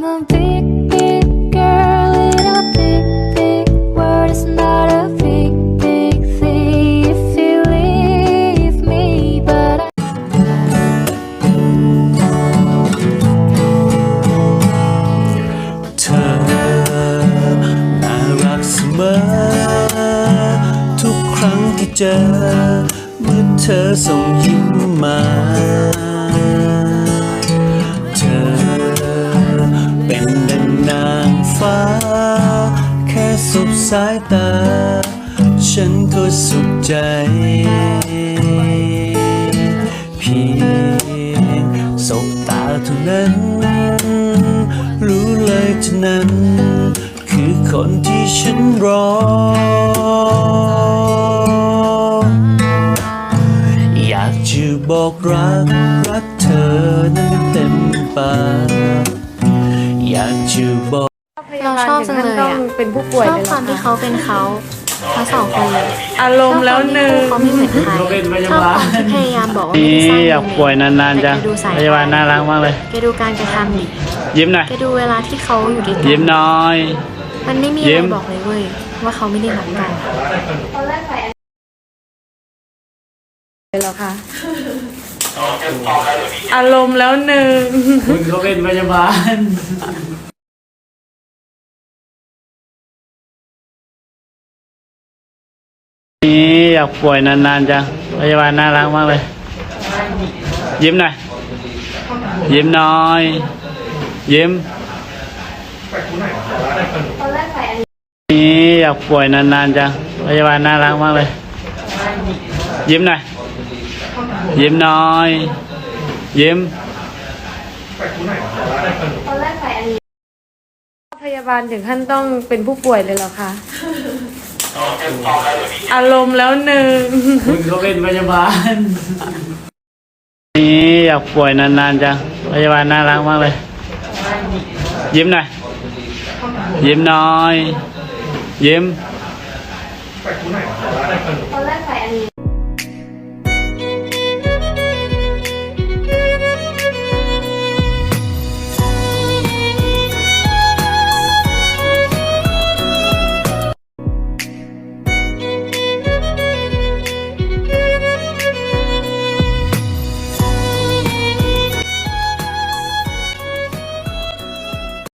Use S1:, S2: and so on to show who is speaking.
S1: I'm a big, big girl in a big, big world. It's not a big, big thing if you leave me, but I
S2: เธอน่ารักเสมอทุกครั้งที่เจอเมื่อเธอส่งยิ้มมาเธอเป็นดังนางฟ้าแค่สบสายตาฉันก็สุขใจเพียงสบตาเท่านั้นรู้เลยเท่านั้นคือคนที่ฉันรออยากจะบอกรักเธอนั้นเต็มปากอยากจะบอก
S3: เราชอบจังเลยอ่ะ
S4: เป็นผู้ป่วย
S3: ชอบ
S4: เลย
S3: ความที่เขาเป็นเขาทั้งสองคนเลย
S4: อารมณ์แล้วหนึ่ง
S3: เขาไม่เหมือนใครชอบความที่พยายามบอกว่าไม่ได้สร้าง
S2: อยากป่วยนานๆจัง
S3: แต่แกดูสาย
S2: พยาบาลน่ารักมากเลย
S3: แกดูการกระทำดิ
S2: ยิ้มหน่อย
S3: แกดูเวลาที่เขาอยู่ด้วยกั
S2: ยิ้มน้อย
S3: มันไม่มี
S2: ยิ้
S3: อะไร
S2: ม
S3: บอกเลยเว้ยว่าเขาไม่ได้รักกัน
S4: เลยเหรอคะอารมณ์แล้วหนึ่ง
S2: คุณเขาเป็นพยาบาลอยากป่วยนานๆจังพยาบาลน่ารักมากเลย ยิ้มหน่อยยิ้มน้อยยิ้มอยากป่วยนานๆจังพยาบาลน่ารักมากเลย ยิ้มหน่อยยิ้มน้อยยิ้ม
S4: พยาบาลถึงขั้นต้องเป็นผู้ป่วยเลยเหรอคะอารมณ์แล้วหนึ่ง
S2: คุณเขาเป็นพยาบาลอยากป่วยนานๆจังพยาบาลน่ารักมากเลย ยิ้มหน่อยยิ้มน้อยยิ้ม